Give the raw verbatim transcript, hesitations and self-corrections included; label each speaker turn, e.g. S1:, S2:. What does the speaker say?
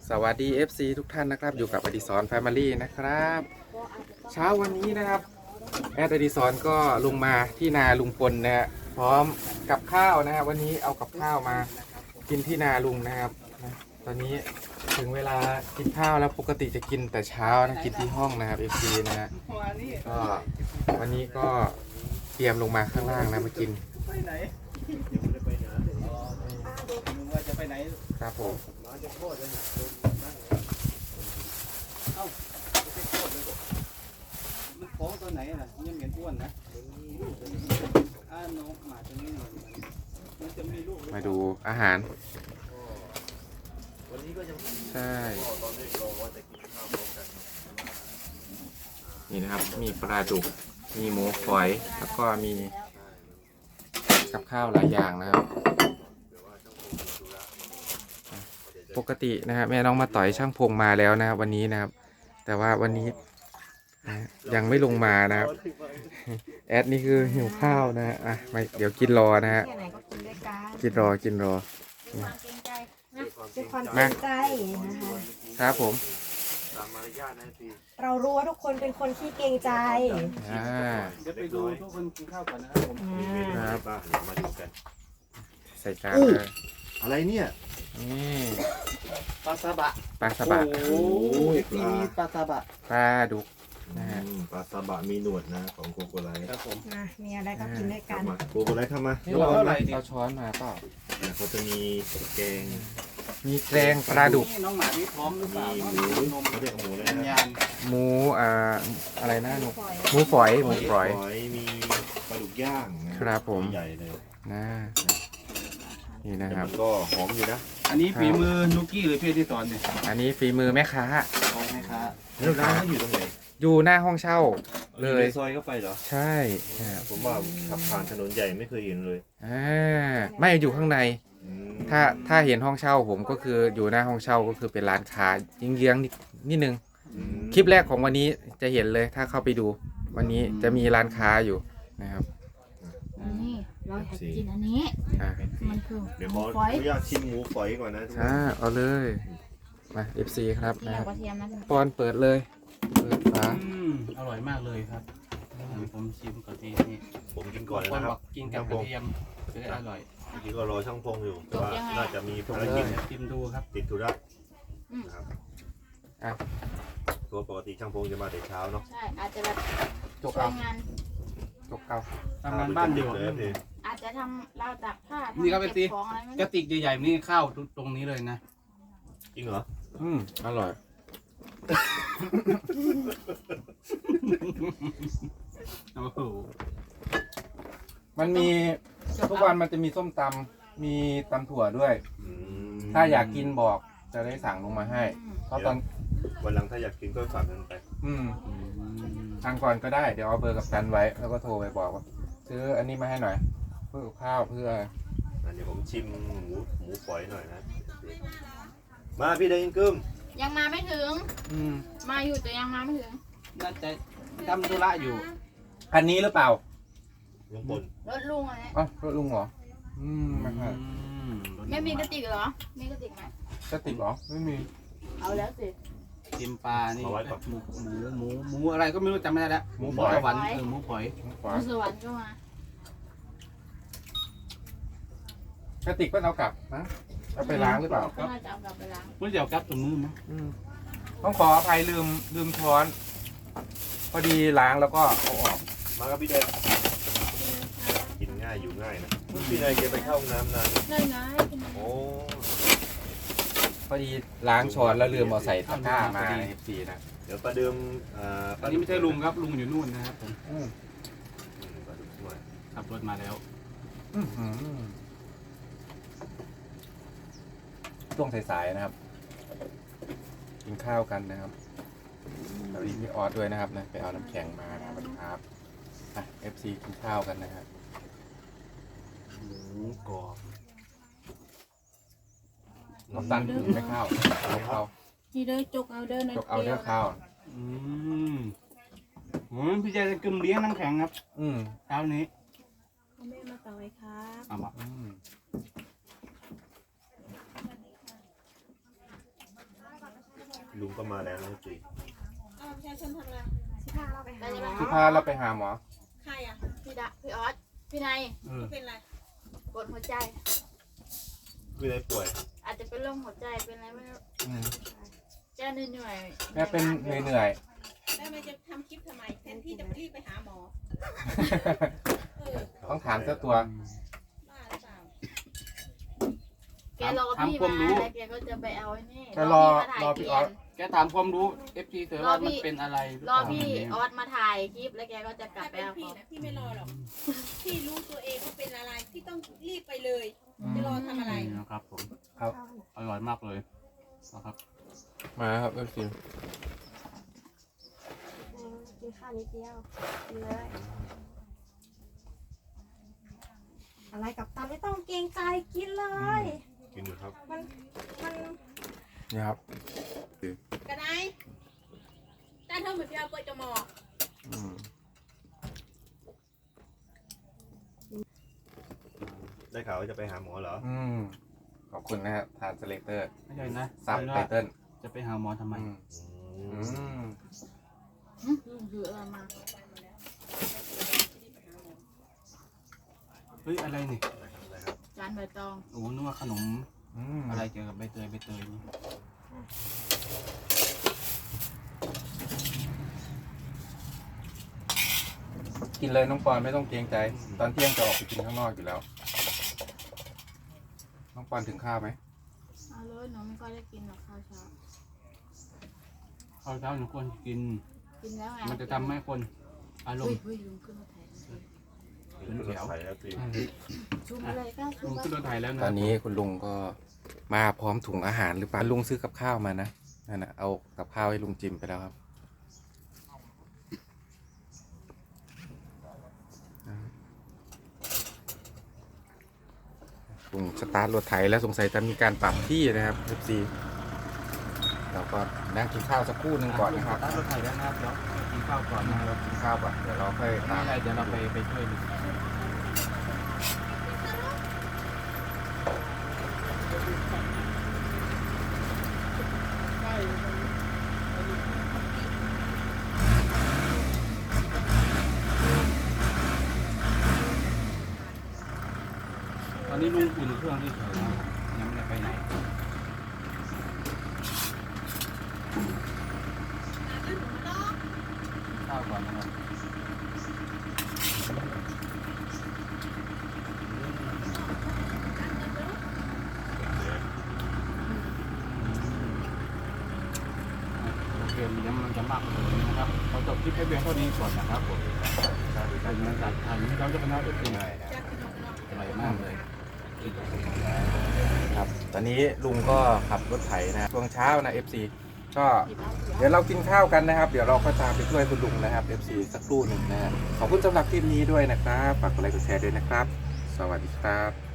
S1: สวัสดี เอฟ ซี ทุกท่านนะครับอยู่กับอดิศรแฟมิลี่นะครับเช้าวันนี้นะครับแอดอดิศรก็ลงมาที่นาลุงพลนะฮะพร้อมกับข้าวนะฮะวันนี้เอากับข้าวมากินที่นาลุงนะครับนะตอนนี้ถึงเวลากินข้าวแล้วปกติจะกินแต่เช้านะกินที่ห้องนะครับ เอฟ ซี นะฮะก็วันนี้ก็เตรียมลงมาข้างล่างนะมากินครับผม
S2: ของตัวไหนน่ะยังเหม็นอ้วนนะอ่านกหมาตัวนี้มันจะมีลูก
S1: มาดูอาหารใช่นี่นะครับมีปลาดุกมีหมูฝอยแล้วก็มีกับข้าวหลายอย่างนะครับปกตินะครับแม่น้องมาต่อยช่างพงมาแล้วนะครับวันนี้นะครับแต่ว่าวันนี้ยังไม่ลงมานะครับแอดนี่คือหิวข้าวนะฮะอ่ะมาเดี๋ยวกินรอนะฮะกินรอกินรอ
S3: ด้วยความเกรงใจนะคะ
S1: ครับผม
S3: เรารู้ว่าทุกคนเป็นคนที่เกรงใจ
S1: อ่า
S2: เดี๋ยวไปดูทุกคนกินข้าวก่อนนะครับผม
S1: ครับ
S4: มาดูกัน
S1: ใส่จานเลย
S4: อะไรเนี่ย
S1: นี่
S2: ปลาซาบะ
S1: ปลาซาบะ
S2: โอ้โหที่มีปลาซาบะ
S1: ปลาดุกนะฮะ
S4: ปลาซาบะมีหนวดนะของโกโกไลท์
S2: ครับผม
S3: มีอะไรก็กินด้วยกัน
S4: โกโกไลท์ทำมา
S1: นี่เราเอาช้อนมาเปล่า
S4: เขาจะมีแกง
S1: มีแกงปลาดุก
S2: น้องหมาที่พร้อมหรือเปล่า
S4: มีหมูเขาเรียกหมูเลยนะ
S1: หมูอ่าอะไรนะหนูหมูฝอยหมูฝอย
S4: มีปลาดุกย่าง
S1: ครับผม
S4: ใหญ่เลย
S1: นะนี่นะครับ
S4: ก็หอมอยู่นะ
S2: อันนี้ฝีมือนุกกี้หรือพี่ที่สอนเนี่ย
S1: อันนี้ฝีมือแม่ค้า
S2: แม่ค้า
S4: แล้วร้านเขาอยู่ตรงไหน
S1: อยู่หน้าห้องเช่าเลย
S4: ซอยเข้าไปเหรอ
S1: ใช่
S4: ผมว่าขับผ่านถนนใหญ่ไม่เคยเห็นเลย
S1: อ่าไม่อยู่ข้างในถ้าถ้าเห็นห้องเช่าผมก็คืออยู่หน้าห้องเช่าก็คือเป็นร้านค้ายิงเยื้องนิดนึงคลิปแรกของวันนี้จะเห็นเลยถ้าเข้าไปดูวันนี้จะมีร้านค้าอยู่นะครับ
S5: นี่เราอยากกินอันนี้มันคือ
S4: เดี๋ยวขออนุญาตชิมหมูฝอยก่อนนะทุกคน
S1: อ่าเอาเลยมา เอฟ ซี ครับ
S5: นะครับ
S1: ปอนเปิดเลยเปิดฝา
S2: อร่อยมากเลยครับผมชิมก่อนทีนี่
S4: ผมกินก่อนนะครับ
S2: กินกับกระเทียมจะได้อร่อย
S4: จริงๆก็รอช่างพงอยู่แต่ว่าน่าจะมีภารกิจ
S2: ชิมดูครับ
S4: ติดธุระนะครับตัวปกติช่างพงจะมาแต่เช้าเนาะ
S5: ใช่อาจจะแบบ
S1: จบงานจบเก่า
S2: ทำงานบ้านอยู่
S5: อาจจะทำราวตากผ้า
S2: นี่ก็เป็นตีกระติกใหญ่ๆนี่ข้าวตรงนี้เลยนะ
S4: จริงเหรอ
S1: อืมอร่อย
S2: โอ้โห
S1: มันมีทุกวันมันจะมีส้มตำมีตำถั่วด้วยถ้าอยากกินบอกจะได้สั่งลงมาให้เพราะตอน
S4: วันหลังถ้าอยากกินก็ฝากเงินไป
S1: อืมทางก่อนก็ได้เดี๋ยวเอาเบอร์กับกันไว้แล้วก็โทรไปบอกว่าซื้ออันนี้มาให้หน่อยเพื่อข้าวเพื่อ
S4: เดี๋ยวผมชิมหมูหมูฝอยหน่อยนะมาพี่ได้ยินกึม
S5: ยังมาไม่ถึงมาอยู่แต่ยังมาไม่ถึง
S2: น่าจะทำธุระอยู่
S1: คันนี้หรือเปล่า
S4: ลุงพล
S5: รถลุงอะไร
S1: อ๋อรถลุงเหรออืมไม่ค่ะ
S5: ไม่มีกระติกเหรอมีกระติกไหม
S1: กระติกเหรอไม่มี
S5: เอาแล้วสิ
S2: กินปลานี่หมูหมูหมูหมูอะไรก็ไม่รู้จำไม่ได้แล้วหมูฝอยหวานเออหมูฝอย
S5: หมูสวรรค์ก็ม
S1: ากระติกก็เอากลับนะเอาไปล้างหรือเปล่า
S5: ก็น่าจะเอากลับไปล้าง
S2: ไม่เดี๋ยวกลับตรงนู้นมั้ง
S1: ต้องขออภัยลืมลืมช้อนพอดีล้างแล้วก็เอาออก
S4: มาครับพี่เดชกินง่ายอยู่ง่ายนะพี่นายแกไปเข้าห้องน้ำนาน
S5: ได้ง่าย
S4: โอ้
S1: พอดีล้างช้อนแล้วลืมเอาใส่ตะกร้ามาในสีนะ
S4: เดี๋ยวประเดิม
S2: อ่าอันนี้ไม่ใช่ลุงครับลุงอยู่นู่นนะครับผมขับรถมาแล้ว
S1: ช่วงสายๆนะครับกินข้าวกันนะครับเราดีมีออสด้วยนะครับนะไปเอาน้ำแข็งมานะครับอ่ะ เอฟ ซี กินข้าวกันนะครับ
S4: หมูกรอบ
S1: น้ำตาลถึงไม่ข้าวเอาข้าว
S5: นี่เด้อจกเอาเด้อ
S1: จกเอาเด้อข้าว
S2: อืมอืมพี่เจจะกึมเลี้ยงน้ำแข็งครับ
S1: อืม
S2: เช้านี้
S5: แม่มาต่อยครับ
S2: เอามา
S4: ลุงก็มาแล้วนะจี
S6: อ้าวประชาชนทำอะไร
S3: สิพาเราไปหาหมอ
S1: ที่พาเราไปหาหมอ
S6: ใครอ่ะ
S5: พี่ดะพี่ออสพี่นาย
S2: เออ
S6: เป็นอะไร
S5: กดหัวใจ
S4: พี่ได้ป่วย
S5: อาจจะเป็นโรคหัวใจเป็นอะไรไม่รู้
S1: อืม
S5: เจ้าเหนื่อยๆ
S1: แม่เป็นเหนื่อย
S6: แล้วมันจะทำคลิปทำไมแทนที่จะรีบไปหาหมอ เออ
S1: ๆ ต้องถามเจ้าตัว
S6: บ้าหรือเปล่า
S5: แกรอพี่มาแล้วแกก็จะไปเอาไอ้นี่
S1: จะรอ
S5: พี่
S1: รอ
S5: มา
S1: พี่
S5: ถ่าย
S1: ออส
S2: แกถามความรู้ เอฟ จี เธอว่ามันเป็นอะไรหรือ
S5: ร
S2: เป
S5: อ
S2: ล่า
S5: พี่ออสมาถ่ายคลิปแล้วแกก็จะกลับ
S6: ถ้า
S5: ไป
S6: เป็น
S5: เอา
S6: พี่
S5: ของ
S6: นะพี่ไม่รอหรอก พี่รู้ตัวเองว่าเป็นอะไร พี่ต้องรีบไปเลย จะรอทำอะไร
S2: นี่นะครับผม
S1: ครับ
S2: อร่อยมากเลยนะครับ
S1: มาครับเอฟซี
S3: อืมกินข้าวนิดเดียวกินเลย อะไรกับตันไม่ต้องเกรงใจกินเลย
S4: กินอยู่ครับ
S3: มันมัน
S1: นี่ครับ
S6: กันไหนจ้าเท่าเหมือนพี่เอาเปิดจมอ
S1: อืม
S4: ได้ข่าวว่าจะไปหาหมอเหรอ
S1: อืมขอบคุณนะฮะทานสเลเตอร์
S2: ไม่ใช่นะ
S1: ซับไตเติ้ล
S2: จะไปหาหมอทำไม
S1: อืม
S4: อื
S1: อื
S4: ม
S1: ม
S5: อืมคืออะไรมา
S2: เฮ้ยอะไรนี่
S4: อะไรครับ
S5: จานใบตอง
S2: โอ้นึกว่าขนม
S1: อืม
S2: อะไรเกี่ยวกับใบเตยใบเตยนี่
S1: กินเลยน้องปอนไม่ต้องเกรงใจ ตอนเที่ยงจะออกไปกินข้างนอกอยู่แล้ว น้องปอนถึงข้าวไหม
S5: เอาเลยหนูไม่ค่อยได้กินหรอกข้าวเช้า
S2: ข้าวเช้าหนูควรกิน
S5: กินแล้วไง
S2: มันจะทำให้คนอารม
S5: เฮ้ย
S2: ณ์
S5: เฮ้ยลุงขึ้นมาถ่าย
S4: ขึ้นรถไฟแล้วจี
S5: ชูมาเลยก็ชู
S2: ลุง
S5: มา
S2: ขึ้นรถไถแล้วนะ
S1: ตอนนี้คุณลุงก็มาพร้อมถุงอาหารหรือเปล่าลุงซื้อกับข้าวมานะนั่นนะเอากับข้าวให้ลุงจิมไปแล้วครับลุงสตาร์ทรถไถแล้วสงสัยจะมีการปรับที่นะครับ เอฟ ซี เราก็นั่งกินข้าวสักครู่หนึ่งก่อนนะครับ
S2: ตั้งรถไถแล้วนะครับเดี๋ยวกินข้าวก่อนนะ
S1: เรากินข้าวก่อนเดี๋ยวเราค่อยตาม
S2: ไม่เป็นไรเดี๋ยวเราไปไปช่วยดู ตอนนี้ลุงอุ่นเครื่องที่เฉยๆนะยังไม่ได้ไปไหนข้าวก่อนนะครับโอเคเดี๋ยวมันจะมากกว่านี้นะครับเราจบคลิปแค่เพียงเท่านี้ก่อนนะครับผมการเงินการทางนี้เราจะเป็นนักเอฟซีอร่อยมากเลย
S1: ครับ ตอนนี้ลุงก็ขับรถไถนะช่วงเช้านะ เอฟ ซี ก็เดี๋ยวเรากินข้าวกันนะครับ เดี๋ยวเราก็ตามไปช่วยคุณลุงนะครับ เอฟ ซี สักครู่หนึ่งนะขอบคุณสำหรับคลิปนี้ด้วยนะครับฝากกดไลค์กดแชร์ด้วยนะครับ สวัสดีครับ